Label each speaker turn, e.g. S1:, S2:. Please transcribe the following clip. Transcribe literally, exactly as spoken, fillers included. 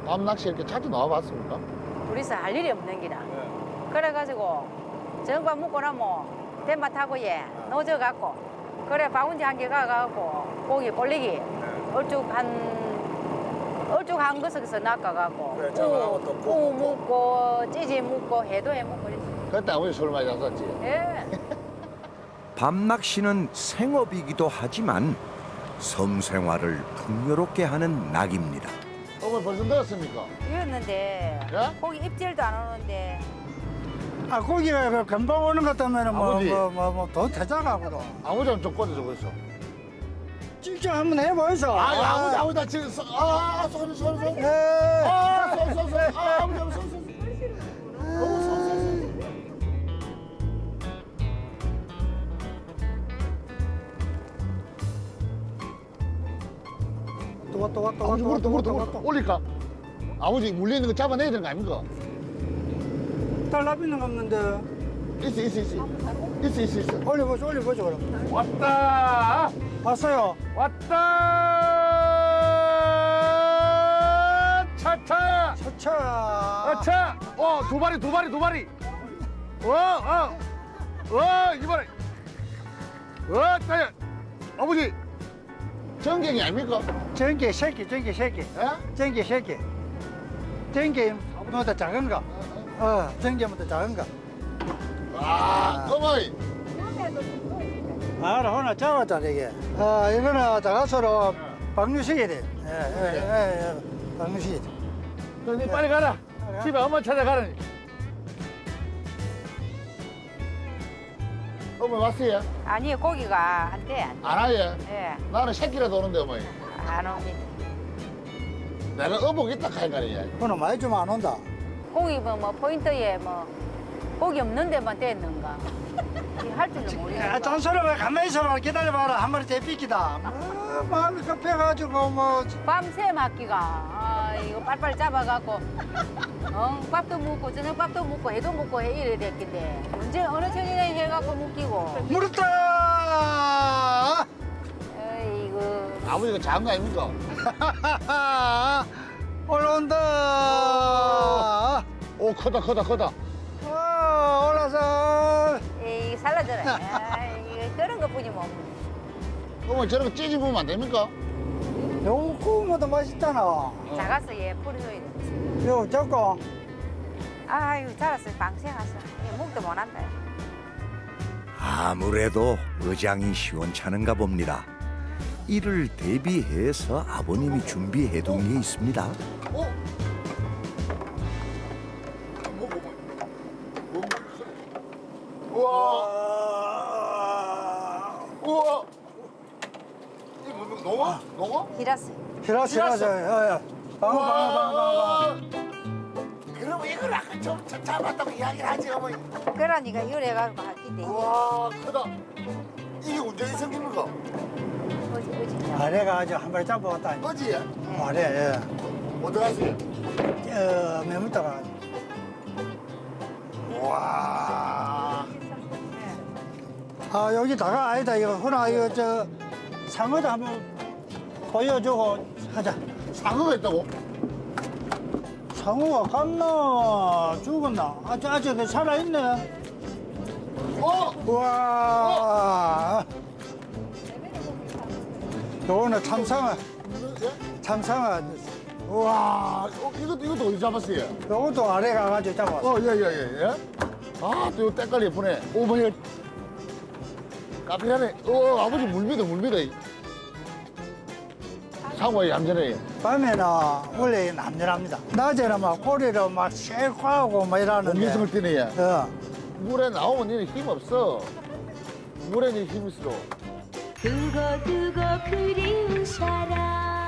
S1: 밤 낚시 이렇게 자주 나와봤습니까?
S2: 둘이서 할 일이 없는 기라.
S1: 네.
S2: 그래가지고 저녁밥 먹고 나면 대마 타고 예 넣어져갖고 그래 바운지 한 개 가갖고 고기 볼리기
S1: 네.
S2: 얼죽 한 얼죽 한 것에서 낚아갖고
S1: 그래, 저거하고 또
S2: 우, 우 묵고 찌지 묵고 해도 해 묵고 그랬지.
S1: 그때 아버지 술 많이 잡았지.
S2: 예.
S3: 밤낚시는 생업이기도 하지만 섬 생활을 풍요롭게 하는 낙입니다.
S1: 어머니 벌써 넣었습니까?
S2: 이었는데
S1: 예?
S2: 고기 입질도 안 오는데
S4: 아 고기가 그 금방 오는 것 때문에
S1: 아버지.
S4: 뭐뭐뭐더 대장하거든.
S1: 아버지는 좀 꺼내줘 보세요.
S4: 직접 한번 해보이소.
S1: 아, 아버지, 아버지, 나 지금 서, 아, 손, 손, 손.
S4: 예.
S1: 아, 손, 손, 손. 아, 아버지, 아버지, 손, 손, 손. 어머, 손, 손, 손.
S4: 또 왔다 왔다
S1: 아버지,
S4: 왔다
S1: 물었다, 물었다,
S4: 왔다
S1: 물었다. 올릴까? 아버지, 물리는 거 잡아내야 되는 거 아닙니까?
S4: 달라비는 없는데
S1: 있어, 있어, 있어. 있어, 있어, 있어.
S4: 올려보죠 올려보죠 그럼.
S1: 왔다!
S4: 왔어요.
S1: 왔다! 차차!
S4: 차차.
S1: 아차! 어, 두 마리, 두 마리, 두 마리. 어, 어, 어, 이번에. 어, 따야. 아버지, 전갱이 아닙니까?
S4: 전기 새끼 전기 새끼.
S1: 예?
S4: 전기 새끼. 전기 뭐더 작은 거. 어 전기보다 작은 거.
S1: 와, 어머니.
S4: 아, 오늘 잡았다 이게. 아, 이거는 작아서로 방류식이 돼. 예, 예, 예, 예. 방류식이 돼.
S1: 니 빨리 가라. 집에 엄마 찾아가라니. 어머니 왔어요?
S2: 아니 고기가 안돼 안 돼.
S1: 안 와요?
S2: 예.
S1: 나는 새끼라도 오는데 어머니.
S2: 안 옵니다.
S1: 내가 어복 있다 카니까요.
S4: 오늘 많이 좀 안 온다.
S2: 고기 뭐, 뭐 포인트에 뭐 고기 없는 데만 떼는가. 할 줄도 모르겠고.
S4: 야, 잔소리 왜 가만히 있어봐. 기다려봐라. 한 마리 대피기다. 뭐, 마음이 급해가지고 뭐.
S2: 밤새 맞기가 아, 이거 빨리빨리 잡아갖고 어, 밥도 먹고 저녁밥도 먹고 해도 먹고 해 이래 됐긴데 언제 어느 천이나 해갖고 묶이고
S4: 물었다!
S2: 어이구
S1: 아버지가 작은 거 아닙니까?
S4: 올라온다!
S1: 오, 크다, 크다, 크다.
S4: 어, 올라서.
S2: 에이 살라져라 아, 이거 그런 것뿐이 뭐
S1: 어머니 저런 거 찌집으면 안 됩니까?
S4: 요거 구우면 더 맛있잖아.
S2: 작았어 얘 포리소리
S4: 요거 잡고.
S2: 아유 자랐어 방생 갔어 목도 못한다
S3: 아무래도 의장이 시원찮은가 봅니다. 이를 대비해서 아버님이 준비해둔 게 있습니다.
S1: 어? 뭐, 뭐, 뭐. 우와, 우와. 이게 뭐, 농어? 농어?
S2: 히라스
S4: 히라스, 히라스. 야, 야. 방어, 방어, 방어, 방어.
S1: 그러면 이걸 아까 좀 잡았다고 이야기를 하지, 어머니.
S2: 그러니까 이걸 해가지고 할긴데
S1: 우와, 크다. 이게 언제 생깁니까?
S2: 어지 어지
S4: 아래가 아주 한 마리 잡아왔다.
S1: 어지?
S4: 아래, 예.
S1: 어디 갔어요?
S4: 어, 매물다가.
S1: 우와.
S4: 아, 여기다가 아니다. 이거 훈아, 이거 저 상어도 한번 보여주고 하자.
S1: 상어가 있다고?
S4: 상어가 갔나 죽었나? 아직 아직 그 살아있네.
S1: 어?
S4: 우와. 요거는 참상어,
S1: 예?
S4: 참상어.
S1: 우와, 어, 이것도, 이것도 어디 잡았어요?
S4: 요것도 아래 가가지고 잡았어.
S1: 어, 예, 예, 예, 예. 아, 또 이거 때깔이 예쁘네. 오, 뭐야. 카피라네. 어, 아버지 물비다, 물비다. 상어에 얌전해.
S4: 밤에는 원래 남녀랍니다. 낮에는 막 꼬리를 막 쉐고하고 막 이러는데.
S1: 공기성을 띠네, 얘.
S4: 어.
S1: 물에 나오면 니는 힘 없어. 물에 니 힘 있어.
S5: 두고 두고 그리운 사람